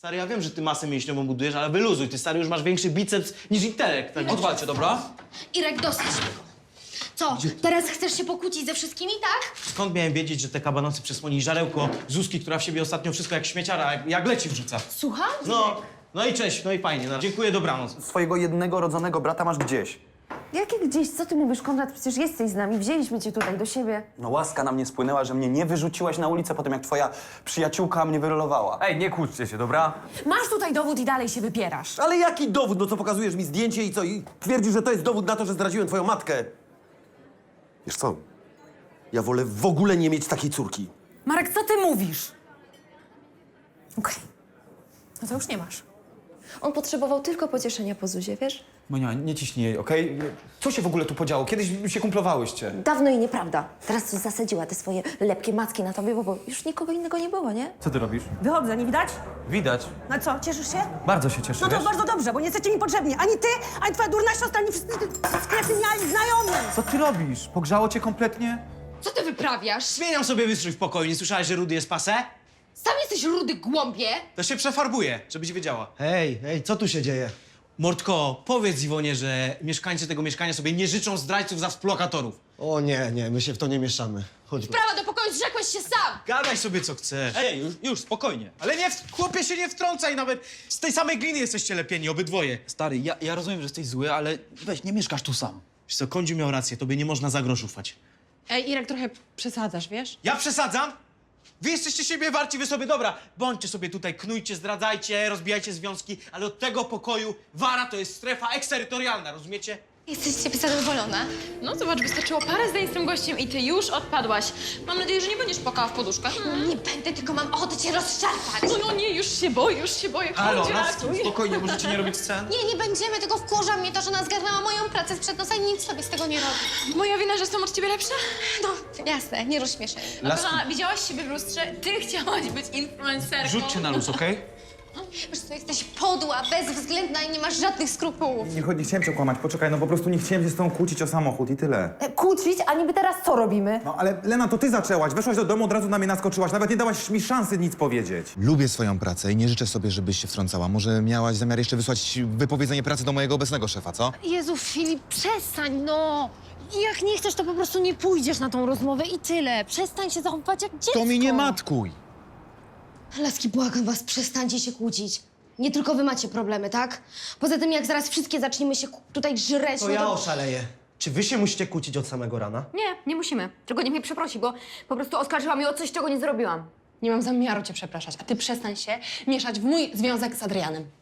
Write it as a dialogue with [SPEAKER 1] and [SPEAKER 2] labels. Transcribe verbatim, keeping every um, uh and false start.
[SPEAKER 1] Stary, ja wiem, że ty masę mięśniową budujesz, ale wyluzuj. Ty, stary, już masz większy biceps niż intelekt. Tak?
[SPEAKER 2] Odwalcie, dobra?
[SPEAKER 3] Irek, dosyć tego. Co, teraz chcesz się pokłócić ze wszystkimi, tak?
[SPEAKER 1] Skąd miałem wiedzieć, że te kabanosy przesłoni żarełko Zuzki, która w siebie ostatnio wszystko jak śmieciara, jak, jak leci wrzuca?
[SPEAKER 3] Słucham?
[SPEAKER 1] No, no i cześć, no i fajnie. No. Dziękuję, dobranoc.
[SPEAKER 4] Swojego jednego rodzonego brata masz gdzieś.
[SPEAKER 5] Jakie gdzieś? Co ty mówisz, Konrad? Przecież jesteś z nami. Wzięliśmy cię tutaj do siebie.
[SPEAKER 4] No łaska na mnie spłynęła, że mnie nie wyrzuciłaś na ulicę po tym, jak twoja przyjaciółka mnie wyrolowała.
[SPEAKER 6] Ej, nie kłóćcie się, dobra?
[SPEAKER 5] Masz tutaj dowód i dalej się wypierasz.
[SPEAKER 7] Ale jaki dowód? No co, pokazujesz mi zdjęcie i co? I twierdzisz, że to jest dowód na to, że zdradziłem twoją matkę. Wiesz co? Ja wolę w ogóle nie mieć takiej córki.
[SPEAKER 5] Marek, co ty mówisz? Okej. No to już nie masz.
[SPEAKER 8] On potrzebował tylko pocieszenia po Zuzie, wiesz?
[SPEAKER 6] Monia, nie ciśnij jej, okej? Co się w ogóle tu podziało? Kiedyś się kumplowałyście.
[SPEAKER 8] Dawno i nieprawda. Teraz to zasadziła te swoje lepkie macki na tobie, bo, bo już nikogo innego nie było, nie?
[SPEAKER 6] Co ty robisz?
[SPEAKER 9] Wychodzę, nie widać?
[SPEAKER 6] Widać.
[SPEAKER 9] No co, cieszysz się?
[SPEAKER 6] Bardzo się cieszę,
[SPEAKER 9] No to
[SPEAKER 6] wiesz?
[SPEAKER 9] bardzo dobrze, bo nie jesteście mi potrzebni. Ani ty, ani twoja durna siostra, ani wszyscy skretyniali znajomi.
[SPEAKER 6] Co ty robisz? Pogrzało cię kompletnie?
[SPEAKER 3] Co ty wyprawiasz?
[SPEAKER 1] Zmieniam sobie wystrój w pokoju. Nie słyszałeś, że Rudy jest pase?
[SPEAKER 3] Sam jesteś rudy głąbie.
[SPEAKER 1] To się przefarbuje, żebyś wiedziała.
[SPEAKER 10] Hej, hej, co tu się dzieje?
[SPEAKER 1] Mordko, powiedz Iwonie, że mieszkańcy tego mieszkania sobie nie życzą zdrajców za współlokatorów.
[SPEAKER 10] O nie, nie, my się w to nie mieszamy. Chodźmy.
[SPEAKER 3] Prawa do pokoju, zrzekłeś się sam.
[SPEAKER 1] Gadaj sobie co chcesz.
[SPEAKER 2] Ej, już, już, spokojnie.
[SPEAKER 1] Ale nie, w- chłopie się nie wtrącaj nawet. Z tej samej gliny jesteście lepieni, obydwoje.
[SPEAKER 2] Stary, ja, ja rozumiem, że jesteś zły, ale weź, nie mieszkasz tu sam.
[SPEAKER 1] Wiesz co, Kądziu miał rację, tobie nie można za grosz ufać.
[SPEAKER 11] Ej, Irek, trochę przesadzasz, wiesz?
[SPEAKER 1] Ja przesadzam? Wy jesteście siebie warci, wy sobie, dobra, bądźcie sobie tutaj, knujcie, zdradzajcie, rozbijajcie związki, ale od tego pokoju Wara to jest strefa eksterytorialna, rozumiecie?
[SPEAKER 3] Jesteś z ciebie zadowolona?
[SPEAKER 11] No zobacz, wystarczyło parę zdań z tym gościem i ty już odpadłaś. Mam nadzieję, że nie będziesz płakała w poduszkach.
[SPEAKER 3] No nie będę, tylko mam ochotę cię rozszarpać.
[SPEAKER 11] No, no nie, już się boję, już się boję.
[SPEAKER 2] Halo,
[SPEAKER 11] Chodź,
[SPEAKER 2] no,
[SPEAKER 11] ratuj.
[SPEAKER 2] spokojnie, możecie nie robić scen?
[SPEAKER 3] Nie, nie będziemy, tylko wkurza mnie to, że ona zgarnęła moją pracę sprzed nosa i nic sobie z tego nie robi.
[SPEAKER 11] Moja wina, że jestem od ciebie lepsza?
[SPEAKER 3] No, jasne, nie rozśmieszaj.
[SPEAKER 11] A kochana, widziałaś siebie w lustrze? Ty chciałaś być influencerką.
[SPEAKER 2] Rzućcie na luz, okej?
[SPEAKER 3] Wiesz co, jesteś podła, bezwzględna i nie masz żadnych skrupułów.
[SPEAKER 6] Nie, nie chciałem cię kłamać, poczekaj, no po prostu nie chciałem się z tobą kłócić o samochód i tyle.
[SPEAKER 5] E, kłócić? A niby teraz co robimy?
[SPEAKER 6] No ale Lena, to ty zaczęłaś, weszłaś do domu, od razu na mnie naskoczyłaś, nawet nie dałaś mi szansy nic powiedzieć.
[SPEAKER 12] Lubię swoją pracę i nie życzę sobie, żebyś się wtrącała. Może miałaś zamiar jeszcze wysłać wypowiedzenie pracy do mojego obecnego szefa, co?
[SPEAKER 13] Jezu, Filip, przestań, no! Jak nie chcesz, to po prostu nie pójdziesz na tą rozmowę i tyle. Przestań się zachowywać jak dziecko.
[SPEAKER 12] To mi nie matkuj!
[SPEAKER 3] Laski, błagam was, przestańcie się kłócić. Nie tylko wy macie problemy, tak? Poza tym, jak zaraz wszystkie zaczniemy się ku- tutaj żreć,
[SPEAKER 10] To
[SPEAKER 3] no
[SPEAKER 10] ja
[SPEAKER 3] to...
[SPEAKER 10] oszaleję. Czy wy się musicie kłócić od samego rana?
[SPEAKER 13] Nie, nie musimy. Tylko niech mnie przeprosi, bo po prostu oskarżyła mnie o coś, czego nie zrobiłam.
[SPEAKER 11] Nie mam zamiaru cię przepraszać, a ty przestań się mieszać w mój związek z Adrianem.